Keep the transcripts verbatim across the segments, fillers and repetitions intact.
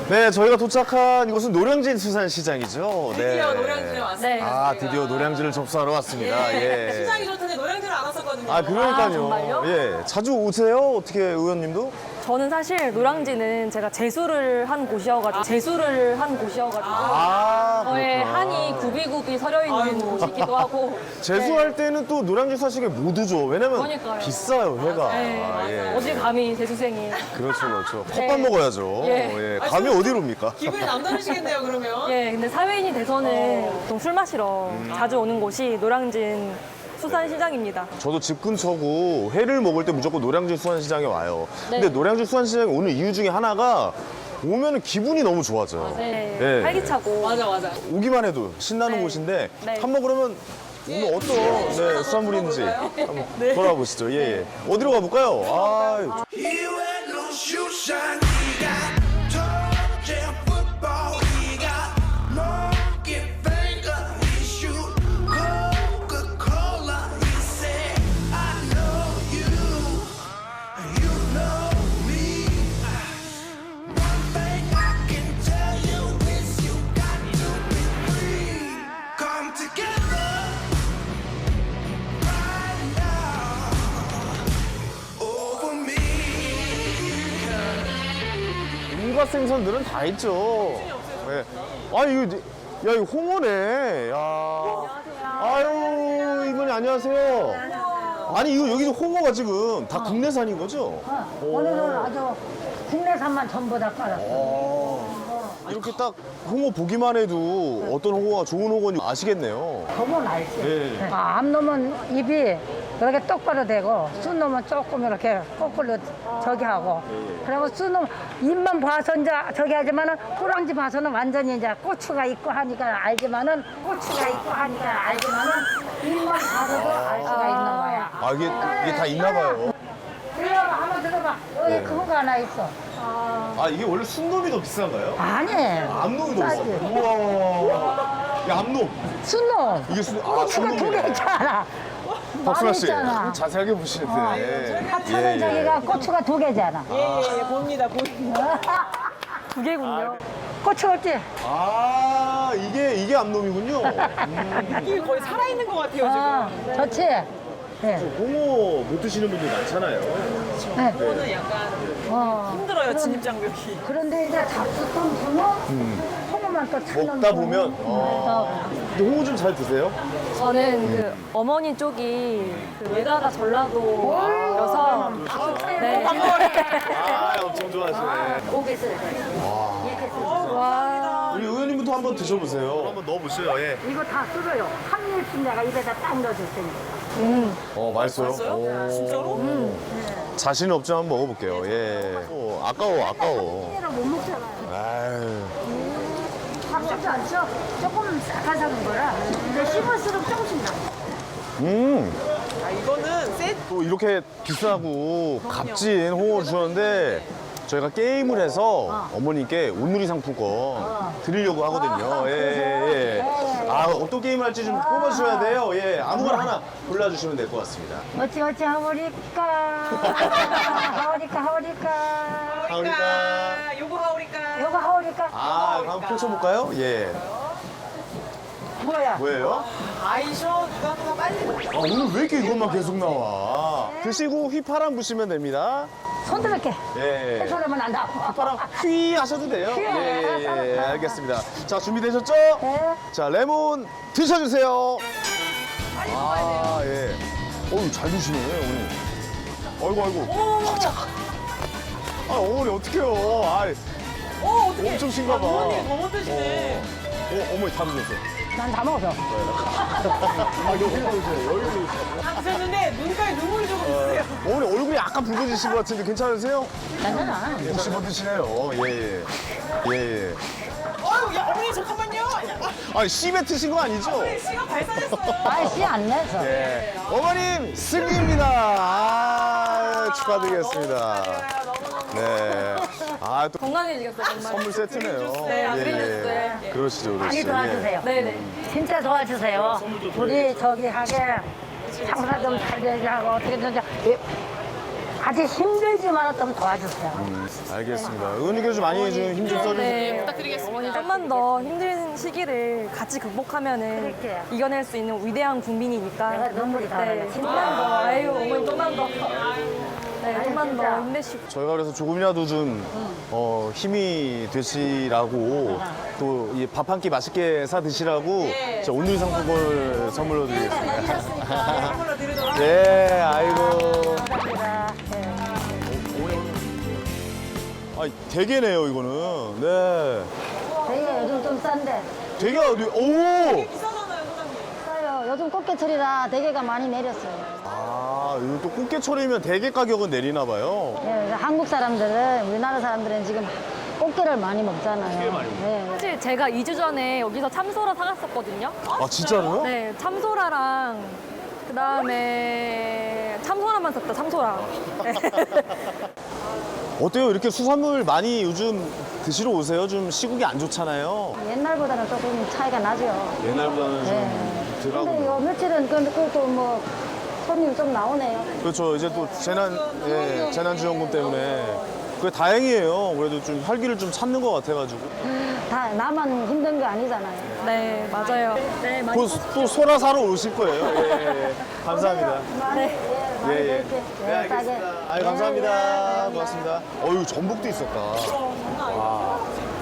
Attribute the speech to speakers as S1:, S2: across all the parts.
S1: 네, 저희가 도착한 이곳은 노량진 수산시장이죠.
S2: 드디어
S1: 네.
S2: 노량진에 왔습니다.
S1: 아,
S2: 저희가.
S1: 드디어 노량진을 접수하러 왔습니다. 예.
S2: 시장이 좋다는데 노량진을 안 왔었거든요.
S1: 아, 그러니까요.
S3: 아, 정말요?
S1: 예. 자주 오세요? 어떻게 의원님도?
S3: 저는 사실 노량진은 제가 재수를 한 곳이어가지고 재수를 한 곳이어가지고
S1: 아,
S3: 저의
S1: 그렇구나.
S3: 한이 굽이굽이 서려 있는
S2: 아이고.
S3: 곳이기도 하고
S1: 재수할 때는 또 노량진 수산시장에 못 오죠. 왜냐면
S3: 그러니까요.
S1: 비싸요, 회가.
S3: 네.
S1: 아, 예.
S3: 어디 감히 재수생이
S1: 그렇죠, 그렇죠.
S3: 네.
S1: 컵밥 먹어야죠.
S3: 예.
S1: 예.
S2: 아,
S1: 감이
S2: 지금
S1: 어디로 옵니까?
S2: 기분이 남다르시겠네요, 그러면.
S3: 예 근데 사회인이 돼서는 보통 술 마시러
S1: 음.
S3: 자주 오는 곳이 노량진 수산시장입니다.
S1: 저도 집 근처고 회를 먹을 때 무조건 노량진 수산시장에 와요.
S3: 네.
S1: 근데 노량진 수산시장에 오는 이유 중에 하나가 오면 기분이 너무 좋아져요.
S3: 네,
S1: 예.
S3: 활기차고
S2: 맞아, 맞아.
S1: 오기만 해도 신나는
S3: 네.
S1: 곳인데
S3: 네.
S1: 한번 그러면 오늘 어떤 네, 수산물인지 한번
S2: 네.
S1: 돌아보시죠. 예, 예. 어디로 가볼까요? 아,
S4: You ain't no shoe shine. He got toe jam football. He got monkey finger. He shoot Coca-Cola. He said, I know you. You know me. One thing I can tell you is you got to be free. Come together right now over me.
S1: 온갖 생선들은 다 있죠. 네. 아, 이거, 이제- 야, 이거 홍어네. 야. 아유, 이분이 안녕하세요. 아니, 이거 여기서 홍어가 지금 다 국내산인 거죠?
S5: 오늘은 아주 국내산만 전부 다 깔았어.
S1: 이렇게 딱 홍어 보기만 해도 어떤 홍어가 좋은 홍어인지 아시겠네요.
S5: 보면 알지.
S1: 네.
S5: 아, 암 놈은 입이 이렇게 똑바로 되고, 순 놈은 조금 이렇게 거꾸로 저기 하고. 그리고 순 놈, 입만 봐서 이제 저기 하지만은, 호랑지 봐서는 완전히 이제 고추가 있고 하니까 알지만은, 고추가 있고 하니까 알지만은, 입만 봐서도 알 수가 있는 거야.
S1: 아, 이게, 이게 다 있나 봐요.
S5: 들어봐, 한번 들어봐. 여기
S1: 네.
S5: 큰 거 하나 있어.
S1: 아, 이게 원래 순놈이 더 비싼가요?
S5: 아니.
S1: 암놈이 더
S5: 싸지.
S1: 비싸요. 우와. 야, 암놈.
S5: 순놈.
S1: 이게 순, 아,
S5: 고추가 두
S1: 순놈이네.
S5: 개 있잖아.
S1: 박순아 씨,
S5: 있잖아.
S1: 자세하게 보시는데.
S5: 하찮은 저기가 고추가 두 개잖아.
S2: 예, 예, 예, 봅니다, 보입니다.
S3: 두 개군요.
S5: 고추 없지?
S1: 아, 이게, 이게 암놈이군요. 음.
S2: 느낌이 거의 살아있는 것 같아요,
S5: 어,
S2: 지금.
S5: 좋지? 네.
S1: 홍어 못 드시는 분들 많잖아요.
S5: 네.
S2: 저는 약간
S5: 어.
S2: 힘들어요, 진입장벽이.
S5: 그런데 이제 잡수통 주면 홍어만 또 찾는
S1: 먹다 보면, 어. 근데 홍어 좀 잘 드세요?
S3: 저는 그 어머니 쪽이 그 외가가 전라도여서 네.
S1: 아, 엄청 좋아하시네.
S5: 고개 쓸 때. 이렇게 쓸
S3: 와.
S1: 우리 의원님부터 한번 드셔보세요. 한번 넣어보세요, 예.
S5: 이거 다 쓸어요. 한 입씩 내가 입에다 딱 넣어줄 테니까.
S1: 어, 맛있어요?
S2: 맛있어요?
S1: 오.
S2: 진짜로?
S1: 자신 없지만 한번 먹어볼게요, 예. 어, 아까워, 아까워.
S5: 얘를 못 먹잖아요.
S1: 아유.
S5: 아깝지 않죠? 조금 싹하사는 거라. 근데 씹을수록 조금씩 나.
S1: 음.
S2: 아, 이거는 셋.
S1: 또 이렇게 비싸고 값진 홍어를 주셨는데 저희가 게임을 해서 어머니께 온누리 상품권 드리려고 하거든요. 예, 예, 예. 아, 어떤 게임 할지 좀 뽑아주셔야 돼요. 예, 아무거나 하나 골라주시면 될 것 같습니다.
S5: 어찌 어찌 하오리까. 하오리까 하오리까.
S1: 하오리까.
S2: 요거 하오리까.
S5: 요거 하오리까.
S1: 아, 한번 펼쳐볼까요? 예.
S5: 뭐야?
S1: 뭐예요?
S2: 아이셔, 누가 누가 빨리.
S1: 아, 오늘 왜 이렇게 이것만 계속 나와? 드시고 휘파람 부시면 됩니다.
S5: 손 들을게.
S1: 예.
S5: 소리만 난다.
S1: 휘파람 휘 하셔도 돼요.
S5: 휘.
S1: 예, 예, 예, 알겠습니다. 자, 준비되셨죠?
S5: 네.
S1: 자, 레몬 드셔주세요. 아, 예. 어우, 잘 드시네, 어머니. 아이고, 아이고. 아, 잠깐. 아, 어머니, 어떡해요. 아,
S2: 어, 어떡해.
S1: 엄청 신가 봐.
S2: 어머니, 너무 드시네.
S1: 어, 어머니 다 드셨어요.
S5: 난 다 먹었어.
S1: 아, 여기 보세요. 여기 보세요.
S2: 다 드셨는데 눈가에 눈물이 조금 있으세요.
S1: 어머니 얼굴이 약간 붉어지신 것 같은데 괜찮으세요?
S5: 괜찮아.
S1: 혹시 뭐 드시나요? 예, 예. 예, 예.
S2: 어유, 야, 어머니 잠깐만요.
S1: 아, 씨 뱉으신 거 아니죠?
S2: 씨가 발산했어요.
S5: 아이씨 안 내서.
S1: 예. 어머님 승리입니다. 아, 축하드리겠습니다. 네. 아, 또
S3: 건강해지겠어요 정말.
S1: 선물 세트네요.
S3: 네, 그린주스.
S1: 예. 그러시죠,
S5: 많이
S1: 그러시죠.
S5: 도와주세요.
S3: 네네.
S5: 진짜 도와주세요. 우리 저기 하게 장사 좀 잘 되게 하고 어떻게든 좀. 예. 아주 힘들지만 좀 도와주세요.
S1: 음, 알겠습니다. 의원님께서 좀 많이 좀 힘 좀 써주세요.
S3: 네,
S2: 부탁드리겠습니다.
S3: 어머니 좀만 더 힘든 시기를 같이 극복하면은
S5: 그럴게요.
S3: 이겨낼 수 있는 위대한 국민이니까.
S5: 내가 눈물이 다
S3: 네,
S5: 나네.
S3: 좀만 더. 아유, 어머니 좀만 더. 네, 좀만 더
S5: 진짜.
S3: 힘내시고.
S1: 저희가 그래서 조금이라도 좀 어, 힘이 되시라고 또 밥 한 끼 맛있게 사 드시라고 저 오늘 상품권을 선물로 드리겠습니다.
S2: 선물로 드리도록
S1: 네, 아이고.
S5: 감사합니다. 네.
S1: 아, 대게네요, 이거는. 네.
S5: 되게 요즘 좀 싼데.
S1: 대게 어디? 오!
S2: 비싸잖아요, 사장님.
S5: 싸요. 요즘 꽃게철이라 대게가 많이 내렸어요.
S1: 아, 이거 또 꽃게철이면 대게 가격은 내리나 봐요.
S5: 네, 한국 사람들은 우리나라 사람들은 지금 꽃게를 많이 먹잖아요. 네.
S3: 사실 제가 이 주 전에 여기서 참소라 사갔었거든요.
S1: 아, 진짜로요?
S3: 네, 참소라랑 그 다음에 참소라만 샀다, 참소라. 네.
S1: 어때요? 이렇게 수산물 많이 요즘 드시러 오세요? 좀 시국이 안 좋잖아요.
S5: 옛날보다는 조금 차이가 나죠.
S1: 옛날보다는 좀
S5: 네. 근데
S1: 덜하고.
S5: 요 며칠은 그- 그것도 뭐 손님 좀 나오네요.
S1: 그렇죠. 이제 또 재난, 예, 재난지원금 때문에. 그게 다행이에요. 그래도 좀 활기를 좀 찾는 것 같아가지고.
S5: 다 나만 힘든 게 아니잖아요.
S3: 네, 맞아요. 네, 많이.
S1: 곧 또 소라 사러 오실 거예요. 예, 예, 예. 감사합니다.
S3: 네.
S5: 많이
S1: 예, 예.
S5: 이렇게
S1: 네, 알겠습니다. 아유, 감사합니다. 고맙습니다. 어유 전복도 있었다. 와.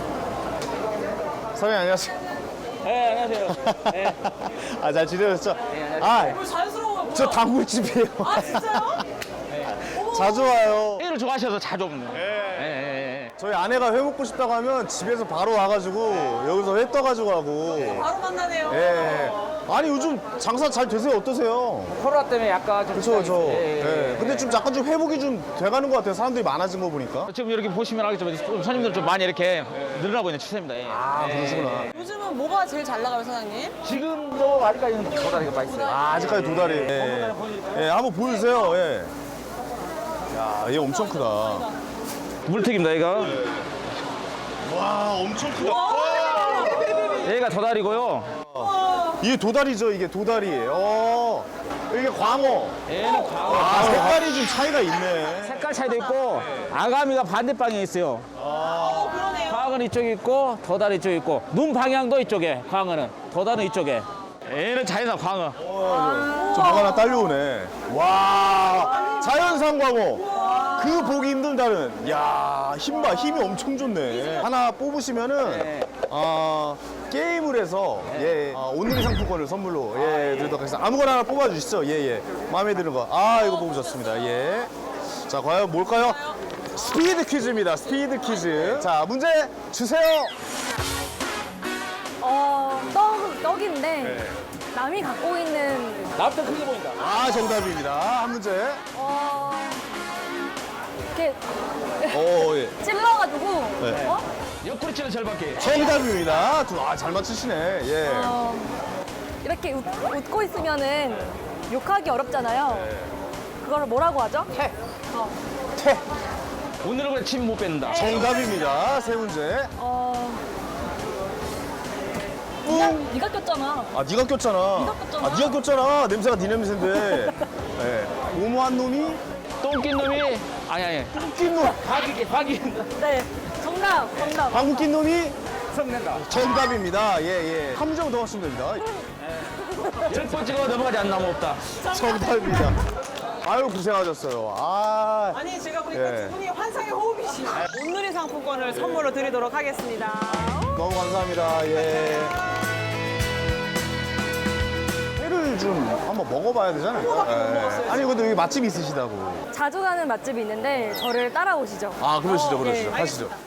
S1: 사장님, 안녕하세요.
S6: 네, 안녕하세요. 네.
S1: 아, 잘 지내셨죠? 아,
S2: 뭐 자연스러워요, 뭐야?
S1: 저 단골집이에요.
S2: 아, 진짜요?
S1: 자주 와요.
S6: 회를 좋아하셔서 자주 오는.
S1: 예.
S6: 예, 예, 예.
S1: 저희 아내가 회 먹고 싶다고 하면 집에서 바로 와가지고 여기서 회 떠가지고 하고.
S2: 바로 만나네요.
S1: 예. 아니 요즘 장사 잘 되세요? 어떠세요?
S6: 코로나 때문에 약간 좀.
S1: 그렇죠, 그렇죠.
S6: 예, 예,
S1: 예.
S6: 예.
S1: 근데 좀 약간 좀 회복이 좀 돼가는 것 같아요. 사람들이 많아진 거 보니까.
S6: 지금 이렇게 보시면 알겠지만 좀 손님들 좀 많이 이렇게 늘어나고 있는 추세입니다. 예.
S1: 아,
S6: 예.
S1: 그러시구나.
S2: 요즘은 뭐가 제일 잘 나가요, 사장님?
S6: 지금도 아직까지는 도다리가 맛있어요.
S1: 아, 아직까지 도다리. 예. 예, 한번 보여주세요. 예. 야, 얘 엄청 크다.
S6: 물튀김다 얘가.
S1: 와, 엄청 크다.
S6: 얘가 도다리고요.
S1: 이게 도다리죠, 이게 도다리. 어, 이게 광어.
S6: 얘는 광어.
S1: 아, 색깔이 좀 차이가 있네.
S6: 색깔 차이도 있고 아가미가 반대방에 있어요.
S2: 어, 그러네요.
S6: 광어는 이쪽에 있고 도다리 이쪽에 있고 눈 방향도 이쪽에 광어는 도다리는 이쪽에. 얘는 자연산 광어.
S1: 저 뭐가 하나 딸려오네. 와, 자연산 광어. 그 보기 힘들다는. 야, 힘 봐, 힘이 엄청 좋네. 하나 뽑으시면은
S6: 네.
S1: 아, 게임을 해서 예, 아, 오늘의 상품권을 선물로 예, 드리도록 하겠습니다. 아무거나 하나 뽑아주시죠. 예, 예. 마음에 드는 거. 아, 이거 뽑으셨습니다. 예. 자, 과연 뭘까요? 스피드 퀴즈입니다. 스피드 퀴즈. 자, 문제 주세요.
S3: 어, 떡, 떡인데
S1: 네.
S3: 남이 갖고 있는
S6: 나부터 크게 보인다.
S1: 아, 정답입니다. 한 문제.
S3: 어, 이렇게
S1: 오, 예.
S3: 찔러가지고
S1: 네.
S3: 어?
S6: 옆구리 치는 절박기.
S1: 정답입니다. 두- 아, 잘 맞추시네. 예.
S3: 어, 이렇게 웃, 웃고 있으면은 욕하기 어렵잖아요. 그걸 뭐라고 하죠?
S6: 태.
S3: 어,
S1: 태.
S6: 오늘은 그래 침 못 뱉는다.
S1: 정답입니다. 세 문제.
S3: 어,
S1: 뿡.
S3: 네가 꼈잖아.
S1: 아, 네가 꼈잖아.
S3: 네가 꼈잖아.
S1: 아, 네가 꼈잖아. 냄새가 네 냄새인데. 예. 오모한 놈이
S6: 똥낀 놈이 아니 아니.
S1: 낀 놈.
S6: 박이 박이
S3: 네, 정답, 정답.
S1: 방구 낀 놈이
S6: 성낸다.
S1: 정답입니다. 예, 예. 한 문제만 더 하시면 됩니다.
S6: 열 번째가 넘어가지 않는 나무 없다.
S1: 정답입니다. 아유, 고생하셨어요. 아.
S2: 아니, 제가 보니까
S1: 예.
S2: 두 분이 환상의 호흡이시네요. 온누리 상품권을 선물로 드리도록 하겠습니다.
S1: 너무 감사합니다. 예. 회를 좀 한번 먹어봐야 되잖아요.
S2: 그거밖에 못 먹었어요,
S1: 아니, 근데 여기 맛집이 있으시다고.
S3: 자주 가는 맛집이 있는데 저를 따라오시죠.
S1: 아, 그러시죠,
S3: 어,
S1: 그러시죠.
S3: 네.
S1: 하시죠.